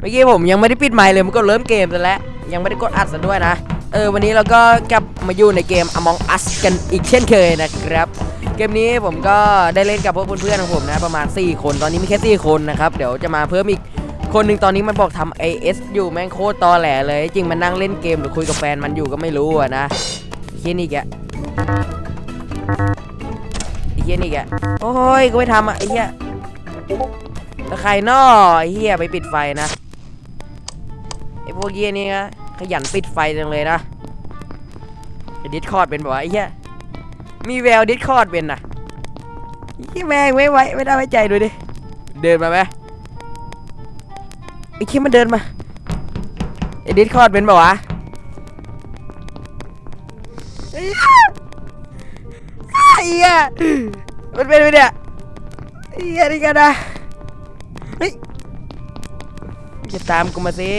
เมื่อกี้ผมยังไม่ได้ปิดไมค์เลยมันก็เริ่มเกมซะแล้วยังไม่ได้กดอัดซะด้วยนะวันนี้เราก็กลับมาอยู่ในเกม Among Us กันอีกเช่นเคยนะครับเกมนี้ผมก็ได้เล่นกับพวกเพื่อนๆของผมนะประมาณ4คนตอนนี้มีแค่4คนนะครับเดี๋ยวจะมาเพิ่มอีกคนหนึ่งตอนนี้มันบอกทำ AS อยู่แม่งโคตรตอแหลเลยจริงมันนั่งเล่นเกมหรือคุยกับแฟนมันอยู่ก็ไม่รู้อะนะเฮียนี่แกไอ้เฮียนี่แกโอ้ยกูไม่ทำอ่ะไอ้เฮียแล้วใครนอไอ้เฮียไปปิดไฟนะไอ้พวกเฮียนี่นะขยันปิดไฟจังเลยนะดิสคอร์ดเป็นบอกว่าไอ้เฮียมีแววดิสคอร์ดเป็นนะไอ้แม่งไม่ได้ไว้ใจดูดิเดินมาไหมไอ้คิดมันเดินมาไอ้ดิสคอร์ดเป็นบอกว่าไอ้เหี้ยมันเป็นไปเนี่ยไอ้เหี้ยนี่กันนะเฮ้ยจะตามกูมาสิ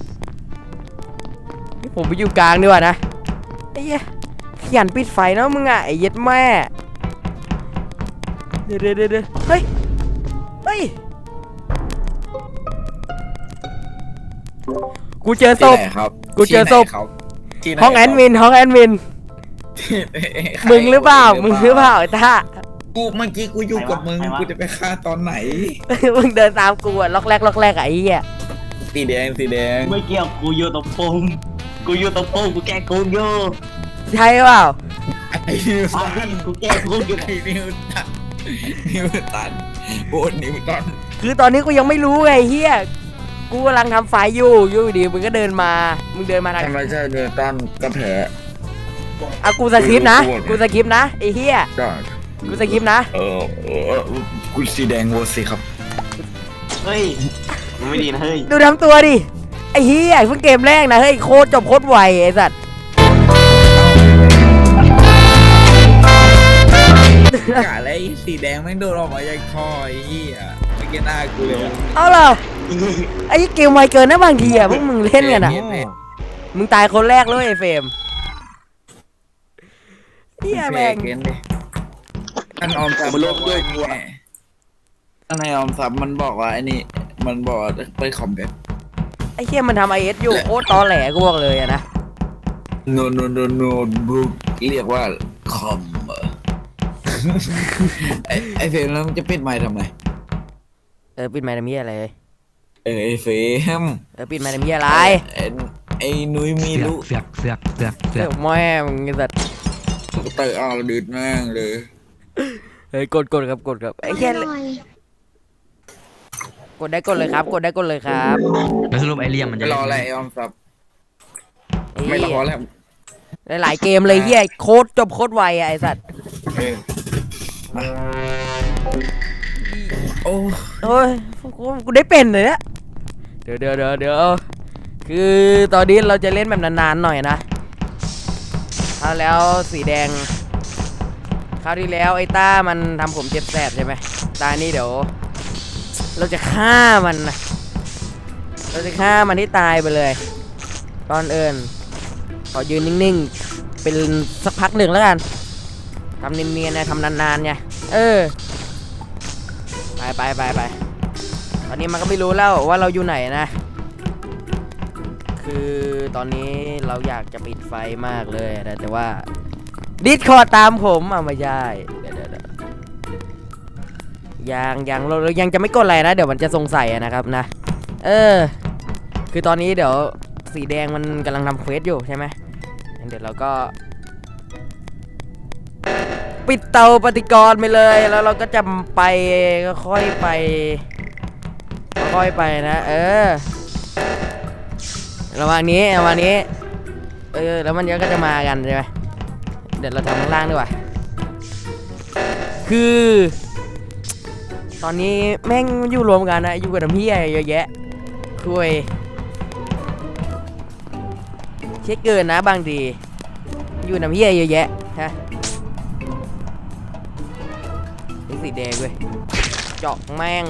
ผมไปอยู่กลางดีกว่านะไอ้เหี้ยขยันปิดไฟเนาะมึงอ่ะไอ้เย็ดแม่เดี๋ยวเฮ้ยกูเจอศพกูเจอศพห้องแอดมินมึงหรือเปล่าไอ้ท่ากูเมื่อกี้กูอยู่กับมึงกูจะไปฆ่าตอนไหนมึงเดินตามกูอะล็อกแรกไอ้เหี้ยสีแดงไม่เกี่ยวกูอยู่ตรงปุ่มกูแก้กูอยู่ใช่เปล่าไอ้นิวตันกูแก้กูอยู่ไอ้นิวตันโอ้นิวตันคือตอนนี้กูยังไม่รู้ไงเฮียกูกำลังทำไฟอยู่ดีมึงก็เดินมาทางไม่ใช่นิวตันก็แพ้กูสคริปต์นะไอ้เฮียกูสคริปต์นะกูสีแดงโหวตสิครับเฮ้ยไม่ดีนะเฮ้ยดูทำตัวดิไอ้เฮียเพิ่งเกมแรกนะเฮ้ยโคตรจบโคตรไวไอ้สัตว์กะอะไรสีแดงแม่งโดนออกมาจากคอไอ้เหี้ยไม่เก็ตหน้ากูเลยเอาล่ะไอ้เกมไวเกินนะบางทีอะพวกมึงเล่นกันอะมึงตายคนแรกเลยไอ้เฟรมเฮียแม่งท่านออมทรัพย์ด้วยกูท่านนายออมทรัพย์มันบอกว่าไอ้นี่มันบอกไปคอมแบบไอ้เฮียมันทำ IS อยู่โคตรตอแหลกูบอกเลยอะนะโนบุ๊กเรียกว่าคอมไอเฟรมแล้วมันจะปิดไมค์ทำไมปิดไมค์ทำเหี้ยอะไรไอเฟรมปิดไมค์ทำเหี้ยอะไรไอนุ้ยมีลูกเสือกแม่มึงไอ้สัตว์เตะเอาดืดแม่งเลยกดครับไอ้แค่กดได้กดเลยครับแล้วสรุปไอเลี่ยมมันจะรออะไรออมซับไม่รอแล้วหลายเกมเลยเฮียโคตรจบโคตรไวอะไอสัตว์โอ้ยกูได้เป็นเลยเนี่ยเดี๋ยวคือตอนนี้เราจะเล่นแบบนานๆหน่อยนะคราวแล้วสีแดงคราวที่แล้วไอ้ต้ามันทำผมเจ็บแสบใช่ไหมตานี้เดี๋ยวเราจะฆ่ามันนะที่ตายไปเลยตอนขอยืนนิ่งๆเป็นสักพักหนึ่งแล้วกันทำเนียนๆนะทำนานๆไงไปตอนนี้มันก็ไม่รู้แล้วว่าเราอยู่ไหนนะคือตอนนี้เราอยากจะปิดไฟมากเลยนะแต่ว่าดิสคอร์ดตามผมไม่ใช่เดี๋ยวเรายังจะไม่กดอะไรนะเดี๋ยวมันจะสงสัยนะครับนะคือตอนนี้เดี๋ยวสีแดงมันกำลังทำเควสอยู่ใช่ไหมเดี๋ยวเราก็ปิดเตาปฏิกรณ์ไปเลยแล้วเราก็จะไปค่อยไปนะระหว่างนี้แล้วมันก็จะมากันใช่ไหมเดี๋ยวเราทำข้างล่างดีกว่าคือตอนนี้แม่งอยู่รวมกันนะอยู่กับน้ำพี่เยอะแยะคุยเช็คเกินนะบางทีอยู่น้ำพี่เยอะแยะฮะสีแดงเว้ยเจาะแม่ง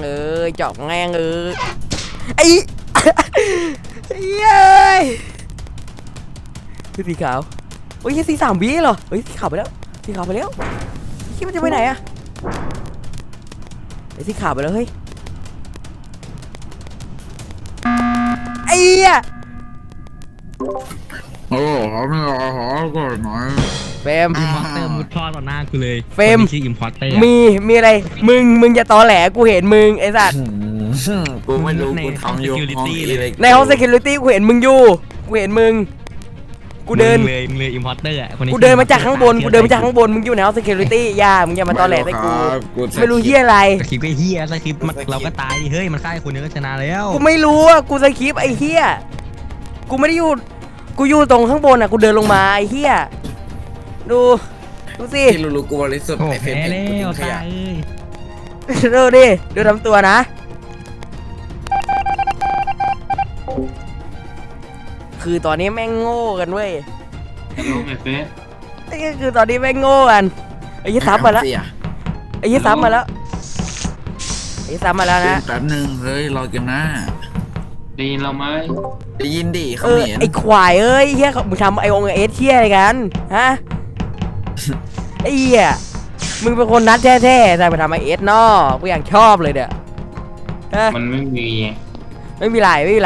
ไอ้เย้ยคือสีขาวโอ้ยสี3 วิเหรอเฮ้ยสีขาวไปแล้วคิดมันจะไปไหนอะไอ้สีขาวไปแล้วเฮ้ยไอ้เหี้ยโอ้เขาไม่รอขอก่อนหน่อยเฟรมอิมพอร์เตอร์มุดท่อต่อหน้ากูเลยเฟรมคนที่ชื่ออิมพอร์เตอร์มีอะไรมึงจะตอแหลกูเห็นมึงไอ้สัตว์กูไม่รู้กูทำอยู่ห้องอิเล็กในห้อง security กูเห็นมึงอยู่กูเห็นมึงกูเดินมึงเลยอิมพอร์เตอร์คนนี้กูเดินมาจากข้างบนมึงอยู่ในห้อง security อย่ามึงอย่ามาตอแหลใส่กูไม่รู้เหี้ยอะไรสคริปต์ก็เฮียสคริปต์เราก็ตายดิเฮ้ยมันฆ่าคนนึงก็ชนะแล้วกูไม่รู้อ่ะกูสคริปต์ไอ้เหี้ยกูไม่ได้อยู่กูอยู่ตรงข้างบนอ่ะกูเดินลงมาไอ้เหี้ยดูสิที่รู้ๆกูบริสุทธิ์โอ้ไอ้เฟรแพ้มแล้กูทิ้วงขตายะเอ้ยดูดิดูทำตัวนะคือตอนนี้แม่งโง่กันเว้ยฮัลโหลไอ้เฟสไอ้คือตอนนี้แม่งโง่กันไอ้ยี่ซ้ำมาแล้วเสียไอ้ยี่ซ้ำมาแล้วไอ้ยี่ซ้ำมาแล้วนะแป๊บนึงเฮ้ยรอเกมหน้าได้ยินเราไหมได้ยินดิเขาเออเห็นไอ้ควายเอ้ยเฮียมึงทำไอองเอสเฮียอะไรกันฮะไอ้เหี้ยมึงเป็นคนนัดแท้ๆแต่ไปทำไอเอสนอกูอย่างชอบเลยเด้อฮะมันไม่มีไม่มีไร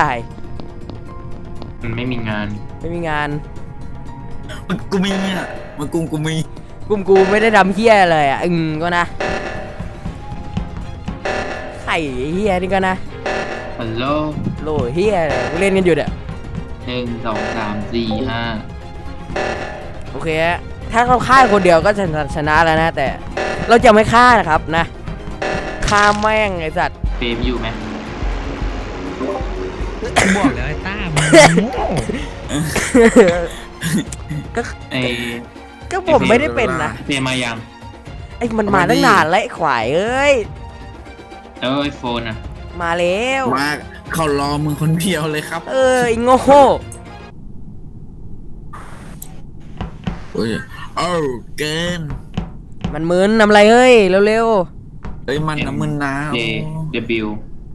มันไม่มีงานไม่มีงานกูมีอ่ะมันกูมีกลุ่มกูไม่ได้ทำเฮียเลยอ่ะก็นะไข่เฮียนี่ก็นะฮัลโหลโหลเฮียเลยกูเล่นกันอยู่เด้อ 1 2 3 4 5 โอเคฮะถ้าเขาฆ่าคนเดียวก็ชนะแล้วนะแต่เราจะไม่ฆ่านะครับนะฆ่าแม่งไอ้สัตว์เฟรมอยู่ไหมกูบอกแล้วไอ้ต้ามึงโง่ไอ้ก็ผมไม่ได้เป็นนะเฟรมมายังไอ้มันมาตั้งนานแล้วไอ้ขวายเอ้ยแล้วไอโฟนอ่ะมาแล้วมาเขารอมึงคนเดียวเลยครับเออไอ้โง่โอ้ยเอ้าเกินมันมึนทำอะไรเฮ้ยเร็วเฮ้ยมันน้ำมึนนะ J W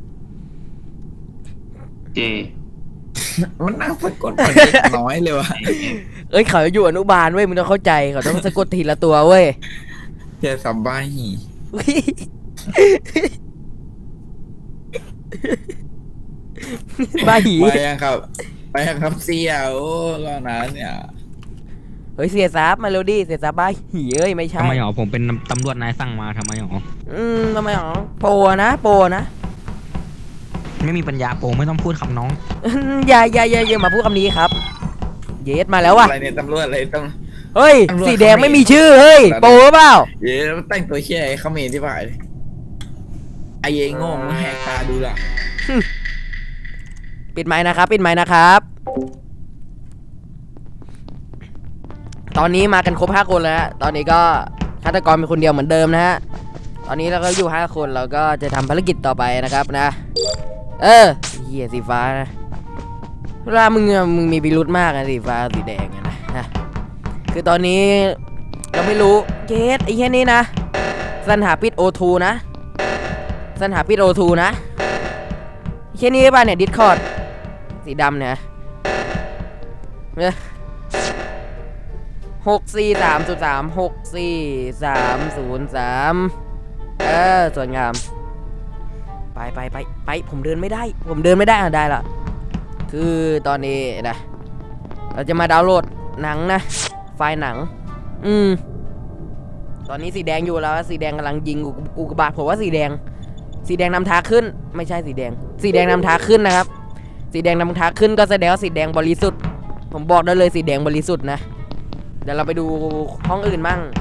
J มันน่าสะกดมันเล็กน้อยเลยวะๆเอ้ยเขาอยู่อนุบาลเว้ยมึงต้องเข้าใจเขาต้องสะกดทีละตัวเว้ยเจ้าสัมบ้าหีบ้าหีไปยังครับ ไปยังครับเสี่ยโอ้รอนานเนี่ยเฮ้ยเสียซับมาเร็วดิเสียซับบ้าหีเอ้ยไม่ใช่ทำไมหรอผมเป็นตำรวจนายสั่งมาทำไมหรอทำไมหรอโปรนะไม่มีปัญญาโปไม่ต้องพูดคำน้องอย่ามาพูดคำนี้ครับ เยสมาแล้วว่ะอะไรเนี่ยตำรวจอะไรต้องเฮ้ยตำรวจสีแดงไม่มีชื่อเฮ้ยโปรหรือเปล่าเย้แต่งตัวเชี่ยไอ้เขมรที่ผ่านไอ้เยังโง่มึงแหกตาดูล่ะปิดไมค์นะครับ ตอนนี้มากันครบ5 คนแล้วฮะตอนนี้ก็ฆาตกรเป็นคนเดียวเหมือนเดิมนะฮะ ตอนนี้เราก็อยู่5 คนเราก็จะทำภารกิจต่อไปนะครับนะ เหี้ยสีฟ้านะเวลามึงมีพิรุธมากนะสีฟ้าสีแดงอะนะคือตอนนี้เราไม่รู้เกสไอ้เหี้ยนี่นะสันหาปิด O2 นะสันหาปิด O2 นะเหี้ยนี่ป่ะเนี่ยดิสคอร์ดสีดำเนี่ย64303 64303สวยงามไปผมเดินไม่ได้ได้ละคือตอนนี้นะเราจะมาดาวน์โหลดหนังนะไฟล์หนังตอนนี้สีแดงอยู่แล้วสีแดงกำลังยิงกูกระบาดผมว่าสีแดงนำทางขึ้นไม่ใช่สีแดงนำทางขึ้นนะครับสีแดงนำทางขึ้นก็แสดงว่าสีแดงบริสุทธิ์ผมบอกได้เลยสีแดงบริสุทธิ์นะเดี๋ยวเราไปดูห้องอื่นมั่ง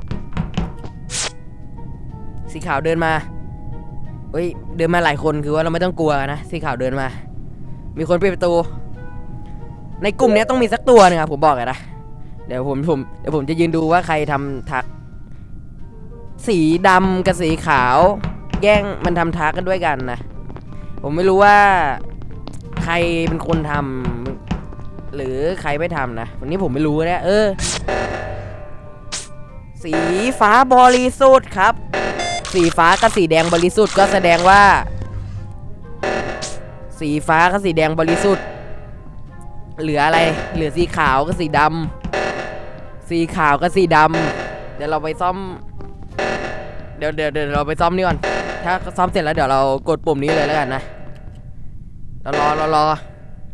สีขาวเดินมาเฮ้ยเดินมาหลายคนคือว่าเราไม่ต้องกลัวนะสีขาวเดินมามีคนปิดประตูในกลุ่มนี้ต้องมีสักตัวนึงครับผมบอกเลยนะเดี๋ยวผมจะยืนดูว่าใครทำทักสีดำกับสีขาวแย่งมันทำทักกันด้วยกันนะผมไม่รู้ว่าใครเป็นคนทำหรือใครไม่ทำนะวันนี้ผมไม่รู้นะสีฟ้าบริสุทธิ์ครับสีฟ้ากับสีแดงบริสุทธิ์ก็แสดงว่าสีฟ้ากับสีแดงบริสุทธิ์เหลืออะไรเหลือสีขาวกับสีดำสีขาวกับสีดำเดี๋ยวเราไปซ่อมเดี๋ยวเราไปซ่อมนี่ก่อนถ้าซ่อมเสร็จแล้วเดี๋ยวเรากดปุ่มนี้เลยแล้วกันนะเรารอ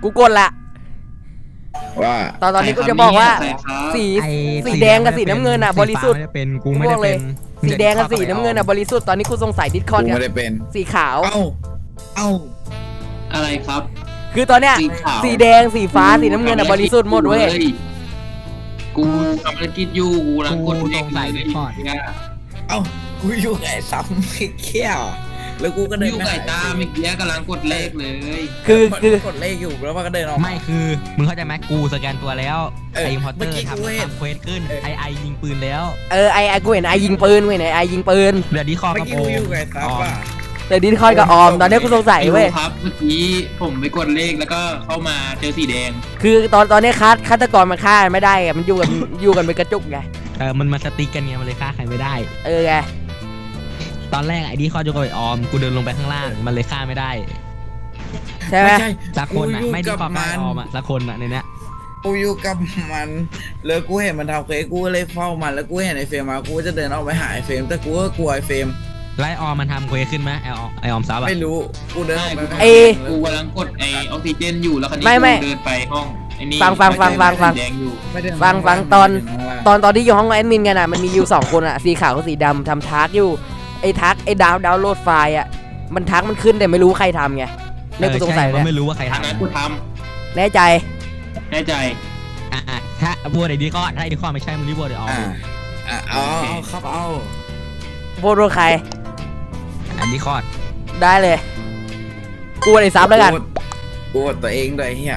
กูกดละว่าตอนนี้กูจะบอกว่าใครครับสีไอ้สีแดงกับสีน้ำเงินอ่ะบริสุทธิ์สีฟ้าไม่ได้เป็นกูไม่ได้เป็นสีแดงกับสีน้ำเงินอ่ะบริสุทธิ์ตอนนี้กูสงสัยดิสคอกูร์ดกับไม่ได้เป็นสีขาวเอ้าอะไรครับคือตอนเนี้ยสีขาวสีแดงสีฟ้าสีน้ำเงินอ่ะบริสุทธิ์หมดเว้ยกูทำธุรกิจอยู่กูรังกดเลขเลยเอ้ากูอยู่ไงซ้ำไม่เขี้ยวแล้วกูก็เดินอยู่ไก่ตาเมื่อกี้กำลังกดเลขเลยคือกดเลขอยู่แล้วมันก็เดินออกไม่คือมึงเข้าใจไหมกูสแกนตัวแล้วเออไอ้พอตเตเมื่ออกี้ร์กูเห็นทำเควสขึ้นไอยิงปืนแล้วไอกูเห็นไอยิงปืนเว้ยไหนไอยิงปืนเดี๋ยวดีคอเมื่กัอบ กี้โอกูอยู่ไงซ้ำป่ะแต่ดิสคอร์ดกับออมตอนนี้กูสงสัยเว้ยครับเมื่อกี้ผมไปกดเลขแล้วก็เข้ามาเจอสีแดงคือตอนนี้ฆาตกรมันฆ่าไม่ได้อะมันอยู่กันเป็นกระจุกไงมันมาสติ๊กกันไงมันเลยฆ่าใครไม่ได้ไงตอนแรกไอ้ดีคอจะกับไอ้ออมกูเดินลงไปข้างล่างมันเลยฆ่าไม่ได้ใช่ไหมไม่ใช่สักคนอ่ะกูอยู่ไม่ดีคอกับกับมันไอ้ออมอ่ะสักคนอ่ะในเนี้ยกูอยู่กับมันแล้วกูเห็นมันทำเควสกูก็เลยเฝ้ามันแล้วกูเห็นไอ้เฟรมมากูจะเดินออกไปหาไอ้เฟรมแต่กูก็กลัวไอ้เฟรมไล่ออมมันทำเควสขึ้นไหมไอออมซับอ่ะไม่รู้กูเดินออกไปกูกำลังกดไอออกซิเจนอยู่แล้วคันนี้ไม่กูเดินไปห้องไอ้นี่ฟังแดงอยู่ไม่ได้ฟังตอนที่อยู่ห้องแอดมินกันอ่ะมันมีอยู่2คนอ่ะสีขาวกับสีดำทำทักอยู่ไอ้ดาวน์โหลดไฟล์อ่ะมันทักมันขึ้นแต่ไม่รู้ใครทำไงเนี่ยกูสงสัยใช่เลยไม่รู้ว่าใครทางทำนั้นกูทแน่ใจำแน่ใจถ้าบัวไอ้ดีคอถ้าไอ้ดีคอไม่ใช่มันรีบบัวเดี๋ยวออมเอาครับเอาโบโรใครอันดีคอได้เลยกูไอ้ซับแล้วกันกูอดตัวเองด้วยเฮีย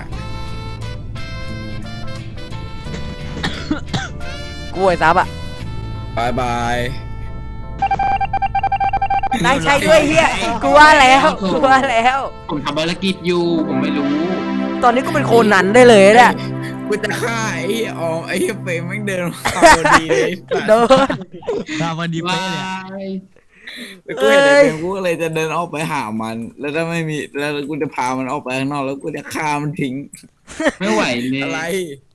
กูไอ้ซับอ่ะบายบายได้ใช่ด้วยเฮียกูว่าแล้วผมทำภารกิจอยู่ผมไม่รู้ตอนนี้กูเป็นโคนันได้เลยเนี่ยกูจะฆ่าไอ้ออมไอ้เฟรมแม่งเดินมาพอดีเลยโดนเราวันดีเป๊ะเลยแล้วกูเห็นไอ้เฟรมกูก็เลยจะเดินออกไปหามัน แล้วถ้าไม่มีแล้วกูจะพามันออกไปข้างนอกแล้วกูจะฆ่ามันทิ้งไม่ไหวเลยอะไร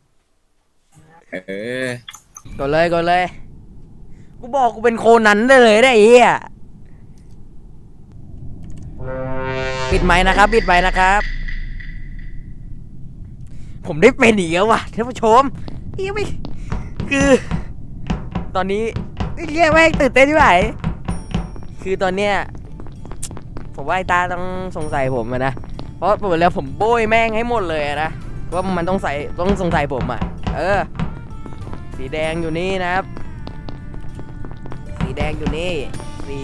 กดเลยกูบอกกูเป็นโคนันได้เลยได้ไอ้เฮียปิดไมค์นะครับ ผมได้เป็นอีกแล้วว่ะท่านผู้ชมนี่ไม่คือ ตอนนี้เรียกแม่งตื่นเต้นที่ไหนคือตอนเนี้ยผมว่าไอ้ตาต้องสงสัยผมอะนะเพราะผมแล้วผมโบยแม่งให้หมดเลยอะนะว่ามันต้องสงสัยผมอะสีแดงอยู่นี่นะครับสีแดงอยู่นี่สี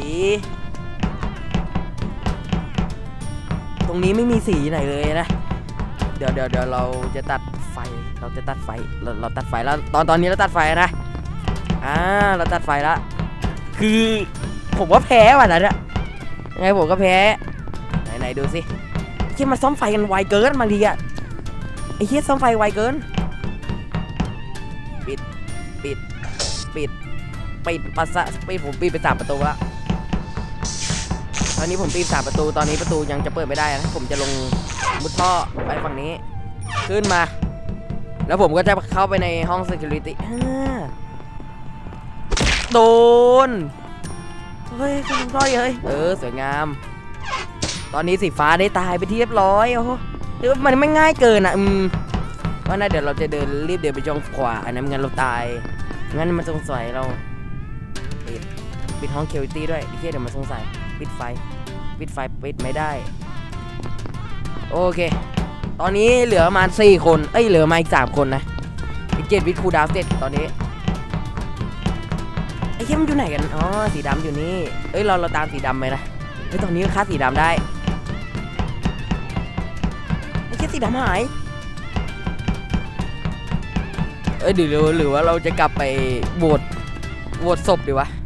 ตรงนี้ไม่มีสีไหนเลยนะเดี๋ยวเราจะตัดไฟเราตัดไฟแล้วตอนนี้เราตัดไฟนะเราตัดไฟแล้วคือผมว่าแพ้ว่ะนะเนี่ยยังไงผมก็แพ้ไหนดูสิเฮียมาซ่อมไฟกันไวเกินบางทีอะไอ้เฮียซ่อมไฟไวเกินปิดปัสสะผมปิดไป3 ประตูละตอนนี้ผมปิด3 ประตูตอนนี้ประตูยังจะเปิดไม่ได้นะผมจะลงมุดท่อไปฝั่งนี้ขึ้นมาแล้วผมก็จะเข้าไปในห้อง security โดนเฮ้ยคุณร้อยสวยงามตอนนี้สีฟ้าได้ตายไปที่เรียบร้อยโอ้โหมันไม่ง่ายเกินอ่ะว่าน่าเดี๋ยวเราจะรีบเดินไปจองขวาอันนั้นงั้นเราตายงั้นมันสงสัยเราปิดห้อง security ด้วยเดี๋ยวมันสงสัยปิดไฟปิดไม่ได้โอเคตอนนี้เหลือประมาณ4 คนเหลือมาอีก3 คนนะอีก7 วิคูดาวเสร็จตอนนี้ไอ้เหี้ยมันอยู่ไหนกันอ๋อสีดำอยู่นี่เราตามสีดำไปนะตอนนี้ก็ฆ่าสีดำได้ไอ้เหี้ยสีดำหายหรือว่าเราจะกลับไปโหวตศพดีวะ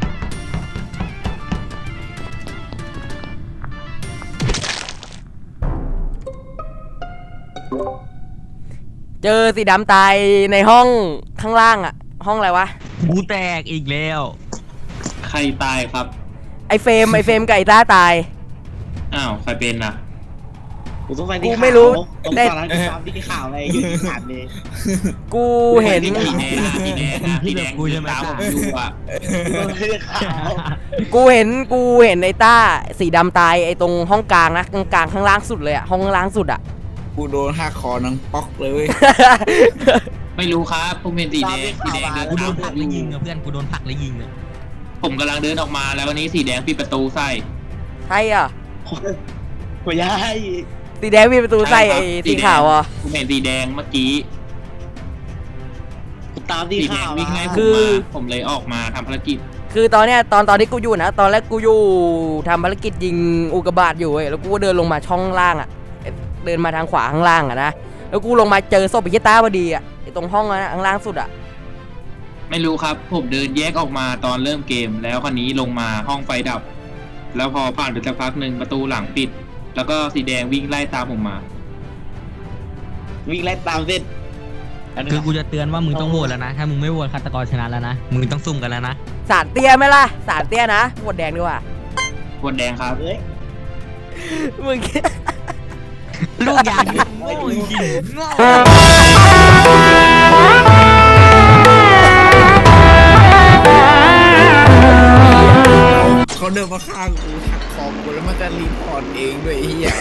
เจอสีดำตายในห้องข้างล่างอะห้องอะไรวะกูแตกอีกแล้วใครตายครับไอเฟรมไก่ต้าตายอ้าวใครเป็นน่ะกูต้องไปกูไม่รู้ได้ได้ตอนนั้นกูตามที่ข่าวอะไรอยู่ที่ขาดเลยกูเห็นสีแดงกูจะตามผมอยู่อ่ะไม่ได้ข่าวกูเห็นไอ้ต้าสีดำตายไอ้ตรงห้องกลางนะกลางข้างล่างสุดเลยอะห้องล่างสุดอะกูโดนหักคอนังป๊อกเลยไม่รู้ครับผมเห็นสีแดงสีแดงเดินกูโดตามนผผลัมกอแล้วยู่ยิงอะเพื่อนกูโดนผลักแล้วยิงอะผมกำลังเดินออกมาแล้ววันนี้สีแดงปิดประตูใส่ใช่อ่ะไม่ได้สีแดงมีประตูใส่ไอ้สีขาวอ่ะผมเห็นสีแดงเมื่อกี้กูตามที่สีแดข่าง ววิ่งไล่ผมคือมาผมเลยออกมาทำภารกิจคือตอนเนี้ยตอนที่กูอยู่นะตอนแรกกูอยู่ทำภารกิจยิงอุกกาบาตอยู่เว้ยแล้วกูก็เดินลงมาช่องล่างอ่ะเดินมาทางขวาข้างล่างอ่ะนะแล้วกูลงมาเจอศพไอ้เหี้ยต้าพอดีอ่ะไอ้ตรงห้องนะข้างล่างสุดอ่ะไม่รู้ครับ ผมเดินแยกออกมาตอนเริ่มเกม แล้วคันนี้ลงมาห้องไฟดับ แล้วพอผ่านไปสักพักหนึ่งประตูหลังปิด แล้วก็สีแดงวิ่งไล่ตามผมมาวิ่งไล่ตามเส้นคือกูจะเตือนว่ามึงต้องโหวตแล้วนะ ถ้ามึงไม่โหวตฆาตกรชนะแล้วนะมึงต้องซุ่มกันแล้วนะสารเตี้ยไหมล่ะสารเตี้ยนะหมดแดงดีกว่าบนแดงครับเฮ้ยมึงลูกยางโง่จริงๆโง่เขาเดินมาข้างกูหักคอกูแล้วมันจะรีพอร์ตเองด้วยไอ้เหี้ย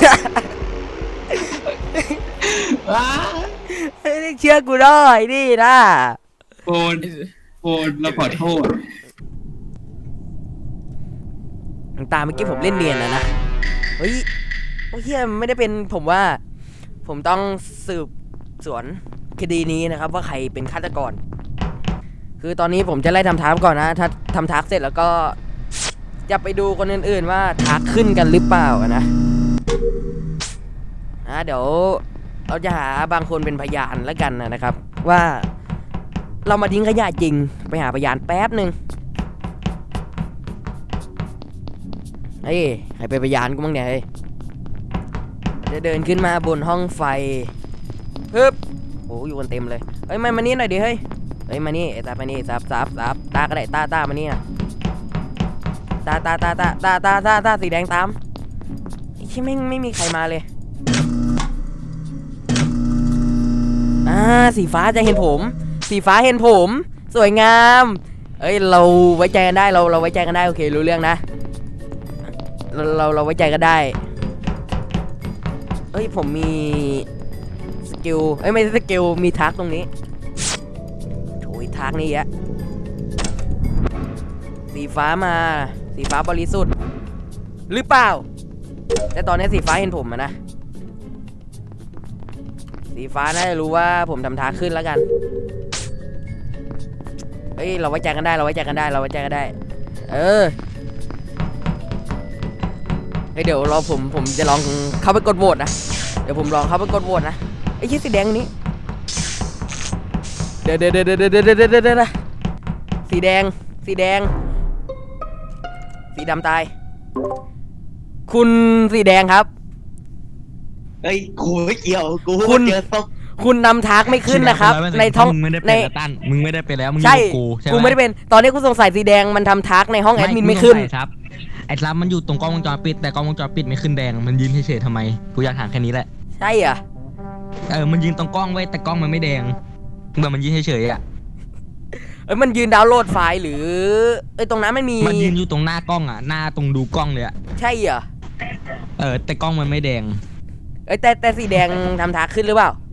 เฮ้ยเชื่อกูหน่อยนี่นะโฟนเราขอโทษตามเมื่อกี้ผมเล่นเนียนนะเฮ้ยโอ้เฮียไม่ได้เป็นผมว่า ผมต้องสืบสวนคดีนี้นะครับ ว่าใครเป็นฆาตกร คือตอนนี้ผมจะไล่ทำทาร์กก่อนนะ ถ้าทำทาร์กเสร็จแล้วก็จะไปดูคนอื่นๆว่าทาร์กขึ้นกันหรือเปล่านะเดี๋ยวเราจะหาบางคนเป็นพยานแล้วกันนะครับ ว่าเรามาทิ้งขยะจริงไปหาพยานแป๊บหนึ่งเฮ้ยใครเป็นพยานกูบ้างเนี่ยเฮ้ยจะเดินขึ้นมาบนห้องไฟฮึบโอ้อยู่กันเต็มเลยเฮ้ยมานี่หน่อยดิเฮ้ยมานี่ไอ้ตามานี่ซับตาก็ได้ตามานี่นะตาสีแดงตามไอ้ที่ไม่มีใครมาเลยสีฟ้าจะเห็นผมสีฟ้าเห็นผมสวยงามเอ้ยเราไว้ใจกันได้เราไว้ใจกันได้โอเครู้เรื่องนะเราไว้ใจกันได้เอ้ยผมมีสกิลไม่ใช่สกิลมีทักตรงนี้โถยทักนี่อะสีฟ้ามาสีฟ้าบริสุทธิ์หรือเปล่าแต่ตอนนี้สีฟ้าเห็นผมอะนะสีฟ้าน่าจะรู้ว่าผมทำทักขึ้นแล้วกันเฮ้ยเราไว้ใจกันได้เราไว้ใจกันได้เดี๋ยวผมจะลองเข้าไปกดโหวตนะเดี๋ยวผมลองเข้าไปกดโหวตนะไอ้ชิ้นสีแดงนี้เดี๋ยวสีแดงสีดำตายคุณสีแดงครับเฮ้ยกูไม่เกี่ยวกูคุณเจอศพคุณนำทักไม่ขึ้นนะครับในท้องมึงไม่ได้ในเป็นแล้วตั้นมึงไม่ได้เป็นแล้วมึงอใช่ยู่กับกูใช่ไหมกูไม่ได้เป็นตอนนี้กูสงสัยสีแดงมันทำทักในห้องแอดมินไม่ขึ้นกูสงสัยครับไอ้ซับมันอยู่ตรงกล้องวงจรปิดแต่กล้องวงจรปิดไม่ขึ้นแดงมันยืนเฉยๆทำไมกูอยากถามแค่นี้แหละใช่เหรอมันยืนตรงกล้องไว้แต่กล้องมันไม่แดงแบบมันยืนเฉยๆอ่ะมันยืนดาวน์โหลดไฟล์หรือตรงนั้นมันมีมันยืนอยู่ตรงหน้ากล้องอ่ะหน้าตรงดูกล้องเลยอ่ะใช่เหรอแต่กล้องมันไม่แดงแต่สีแดงทำทักขึ้นหรือเปล่า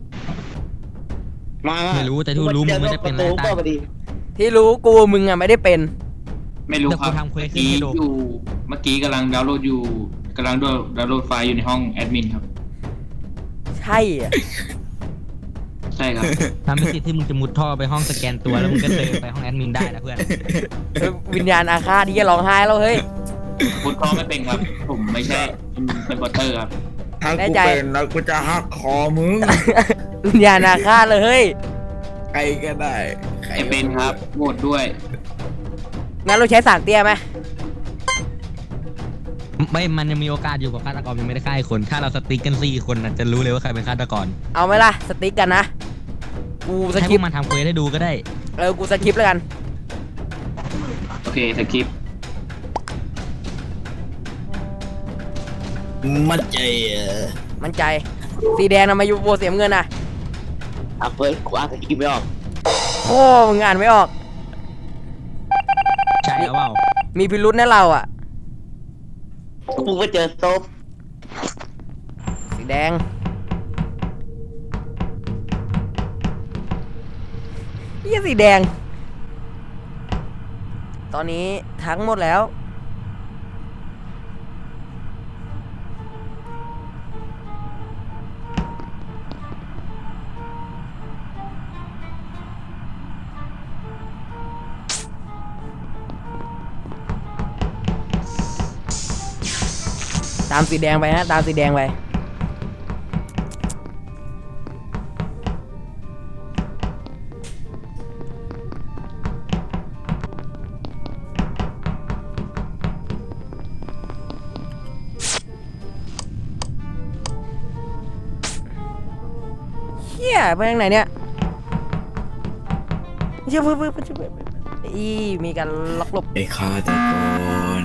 ไม่รู้แต่ที่รู้มึงไม่ได้เป็นไรไรตาตายพอดีที่รู้กูมึงอะไม่ได้เป็นไม่รู้ครับเดี๋ยวกูทำเควสเมื่อกี้ให้ดูเมื่อกี้กำลังดาวน์โหลดอยู่กำลังดาวน์โหลดไฟล์อยู่ในห้องแอดมินครับใช่เหรอใช่ครับทำให้สิทธิ์ที่มึงจะมุดท่อไปห้องสแกนตัวแล้วมึงก็เดินไปห้องแอดมินได้นะเพื่อนวิญญาณอาฆาตที่จะร้องไห้แล้วเฮ้ยพุทธอไม่เป็นครับ ผมไม่ใช่เป็นบอตเตอร์ครับถ้าแน่กูใจเป็นแล้วกูจะหักคอมึงวิญญาณอาฆาตเลยเฮ้ยใครก็ได้ใครไอเป็นครับโหวตด้วยงั้นเราใช้สารเตี้ยไหมไม่มันยังมีโอกาสอยู่กับฆาตกรยังไม่ได้ฆ่าอีกคน ถ้าเราสติ๊กกัน4 คนน่ะจะรู้เลยว่าใครเป็นฆาตกรเอาไหมล่ะสติ๊กกันนะกูสให้คพริวปกมันทำเควสให้ดูก็ได้กูสคริปต์แล้วกันโอเคสคริปต์มั่นใจมั่นใจสีแดงนะมาอยู่โบเสียมเงินนะเฟิร์สกูอ่านสกิปไม่ออกโอ้มึงอ่านไม่ออกใช่แล้วเปล่ามีพิรุษนะเราอ่ะกูไปเจอศพสีแดงพี่สีแดง ตอนนี้ทั้งหมดแล้วตามสีแดงไปฮะตามสีแดงไปเฮียไปทางไหนเนี่ยเชื่อเพื่ออีมีการล็อกหลบไอ้ฆาตกร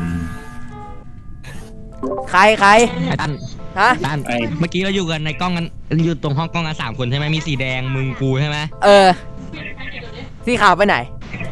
ใครไอ้ตั้นฮะตั้นเมื่อกี้เราอยู่กันในกล้องกันอยู่ตรงห้องกล้องกัน3 คนใช่ไหมมีสีแดงมึงกูใช่ไหมสีขาวไปไหน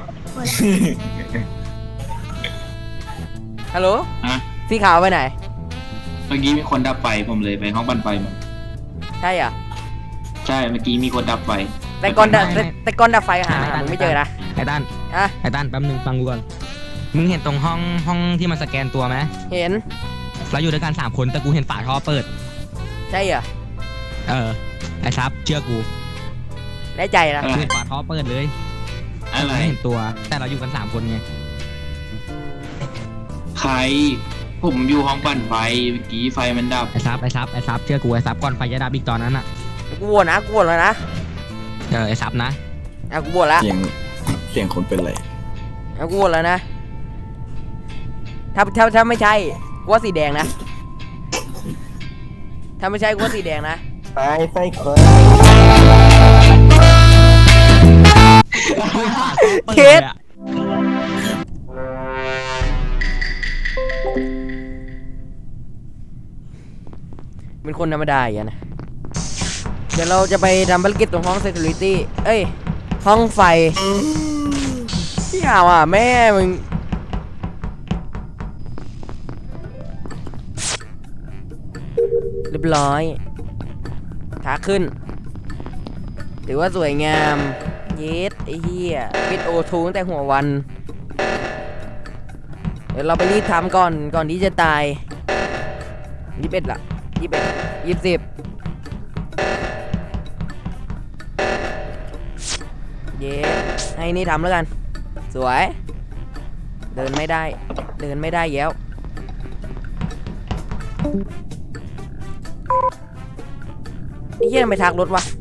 ฮัลโหลฮะสีขาวไปไหนเมื่อกี้มีคนดับไฟผมเลยไปห้องปั่นไฟมาใช่เหรอใช่เมื่อกี้มีคนดับไฟแต่ก่อนดับไฟหามึงไม่เจอนะไอ้ตั้นอะไอ้ตั้นแป๊บนึงฟังกูก่อนมึงเห็นตรงห้องที่มันสแกนตัวไหมเห็นเราอยู่ด้วยกัน3 คนแต่กูเห็นฝาท่อเปิดใช่เหรอไอ้ซับเชื่อกูแน่ใจนะกูเห็นฝาท่อเปิดเลยอะไรไม่เห็นตัวแต่เราอยู่กัน3 คนไงใคร ผมอยู่ห้องปั่นไฟเมื่อกี้ไฟมันดับไอ้ซับเชื่อกูไอ้ซับก่อนไฟจะดับอีกตอนนั้นอ่ะกูโหวตนะกูโหวตแล้วนะไอ้ซับนะกูโหวตแล้วเสียงคนเป็นไรกูโหวตแล้วนะ ถ้าไม่ใช่กูว่าสีแดงนะ ถ้าไม่ใช่กูว่าสีแดงนะไปไฟคนเคส เป็นคนธรรมดาอย่างนี้นะ เดี๋ยวเราจะไปทำภารกิจตรงห้อง security เอ้ย ห้องไฟพี่ห่าวอ่ะแม่มึง เรียบร้อยขาขึ้น ถือว่าสวยงาม เยสไอ้เหี้ยปิดโอทูตั้งแต่หัววัน เดี๋ยวเราไปรีบทำก่อนที่จะตาย21ละ21 20เย้ให้นี่ทำแล้วกัน สวย เดินไม่ได้แย้วไอ้เหี้ยทำไมทักรถวะ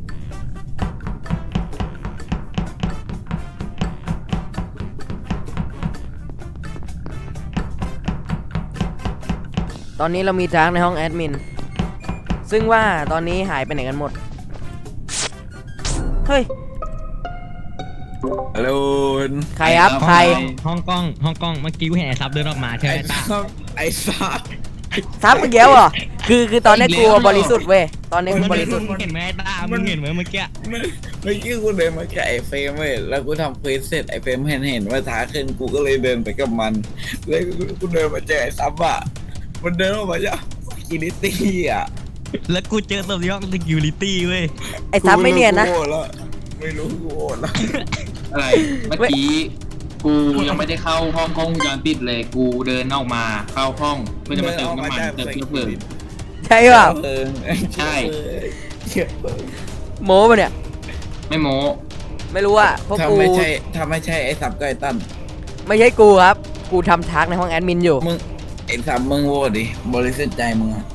ตอนนี้เรามีทักในห้องแอดมินซึ่งว่าตอนนี้หายไปไหนกันหมดเฮ้ยฮัลโหลใครครับใครห้องกล้องเมื่อกี้กูเห็นไอ้ซับเดินออกมาใช่ไหมไอ้ตาซับไอ้ซับซับมึงแย้วเหรอคือตอนนี้กูบริสุทธิ์เว้ยตอนนี้กูบริสุทธิ์มึงเห็นไหมไอ้ตามึงเห็นไหมเมื่อกี้เมื่อกี้กูเดินมาแค่ไอ้เฟรมเว้ยแล้วกูทำเควสเสร็จไอ้เฟรมเห็นว่าท้าขึ้นกูก็เลยเดินไปกับมันแล้วกูเดินมาเจอไอ้ซับอ่ะมันเดินออกมาจากกิลิตี้อ่ะแล้วกูเจอตัวที่ห้อง security เว้ยไอ้ซับไม่เนียนนะกูโง่แล้วไม่รู้กูโง่แล้วอะไร เมื่อกี้กูยังไม่ได้เข้าห้องกล้องวงจรปิดเลย กูเดินออกมาเข้าห้องเพื่อจะมาเติมน้ำมันเติมเชื้อเพลิงใช่เปล่าใช่เชื้อเพลิงโม้ปะเนี่ยไม่โม้ไม่รู้อ่ะพวกถ้ากูไม่ใช่ไอ้ซับก็ไอ้ตั้นไม่ใช่กูครับกูทำทักในห้องแอดมินอยู่มึงไอ้ซับมึงโหวตดิบริสุทธิ์ใจมึงอะ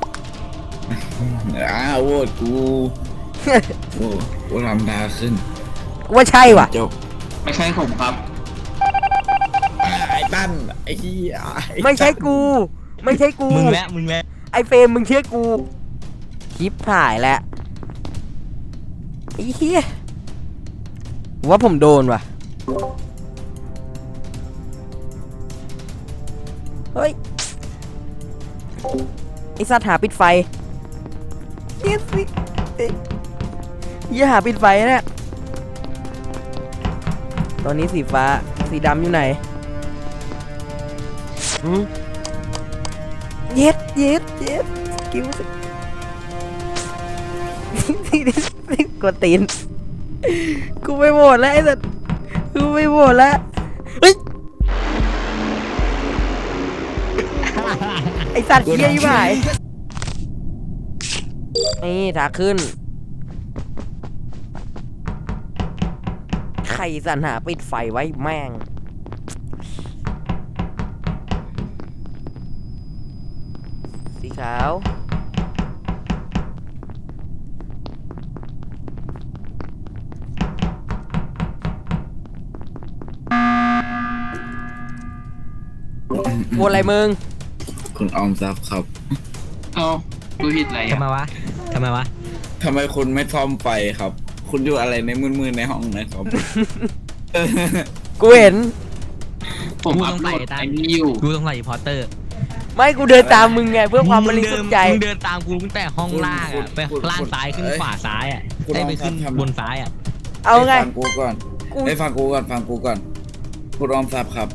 โหวตกูกูทำท้าขึ้นกูว่าใช่ว่ะจบไม่ใช่ผมครับไอ้ตั้นไอ้เหี้ยไม่ใช่กูไม่ใช่กูมึงแหละไอเฟรมมึงเชื่อกูคลิปถ่ายแล้วไอ้เหี้ยว่าผมโดนว่ะเฮ้ยไอสัตว์หาปิดไฟเหี้ยสิเหี้ยหาปิดไฟเนี่ยตอนนี้สีฟ้าสีดำอยู่ไหนหืมเย็ดกิ้วสิกดตีนกูไม่โหวตแล้วไอ้สัสกูไม่โหวตแล้วเฮ้ยไอสัตว์เหี้ยยิ่งหายนี่ถาขึ้นใครสรรหาปิดไฟไว้แม่งสีขาวโหวตอะไรมึงคุณออมทรัพย์ครับเอากูผิดอะไรทำไมอ่ะวะทำไมวะทำไมคุณไม่ซ่อมไฟครับ คุณอยู่อะไรในมืดๆในห้องนะครับกูเห็นผมอัพโหลดไอ้นี่อยู่กูต้องใส่พอร์เตอร์ไม่กูเดินตามมึงไงเพื่อความบริสุทธิ์ใจมึงเดินตามกูตั้งแต่ห้องล่างอะไปล่างซ้ายขึ้นขวาซ้ายอ่ะได้ไปขึ้นบนซ้ายอ่ะเอาไงฟังกูก่อนกูฟังกูก่อนคุณออมทรัพย์ครับ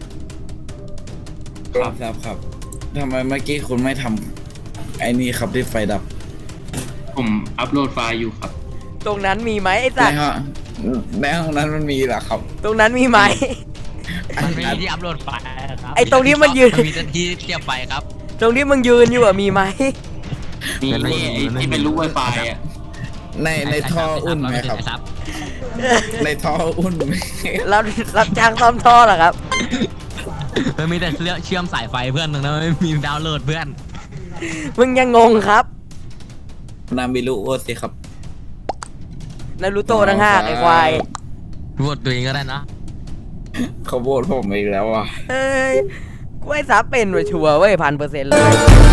คุณออมทรัพย์ครับทำไมเมื่อกี้คุณไม่ทำไอ้นี่ครับที่ไฟดับผมอัพโหลดไฟล์อยู่ครับตรงนั้นมีไหมไอ้ในสัตว์ห้องในห้องนั้นมันมีเหรอครับตรงนั้นมีไหมมันไม่มีที่อัพโหลดไฟล์ครับไอ้ตรงนี้มันยืนมีแต่ที่เทียบไฟครับตรงที่มึงยืนอยู่อะมีไหมนี่มันไม่นี่มีไอ้ที่เป็นรูปไวไฟอ่ะในท่ออุ่นไหมครับไอ้ซับในท่ออุ่นไหมรับจ้างซ่อมท่อเหรอครับมันมีแต่เชื่อมสายไฟเพื่อนตรงนั้นไม่มีดาวน์โหลดเพื่อนมึงยังงงครับนามิรุโอสิครับนารูโตะทั้งห้าไอ้ควายโหวตตัวเองก็ได้นะเขาโบดผมอีกแล้วอ่ะเฮ้ยกูไอ้ซับเป็นว่ะชัวร์เว้ย1,000%เลย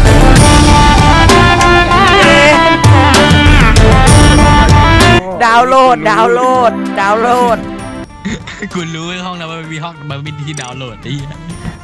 ดาวน์โหลดกูรู้ไอ้ห้องนั้นมันมีห้องมันมีที่ดาวน์โหลดไอ้เหี้ย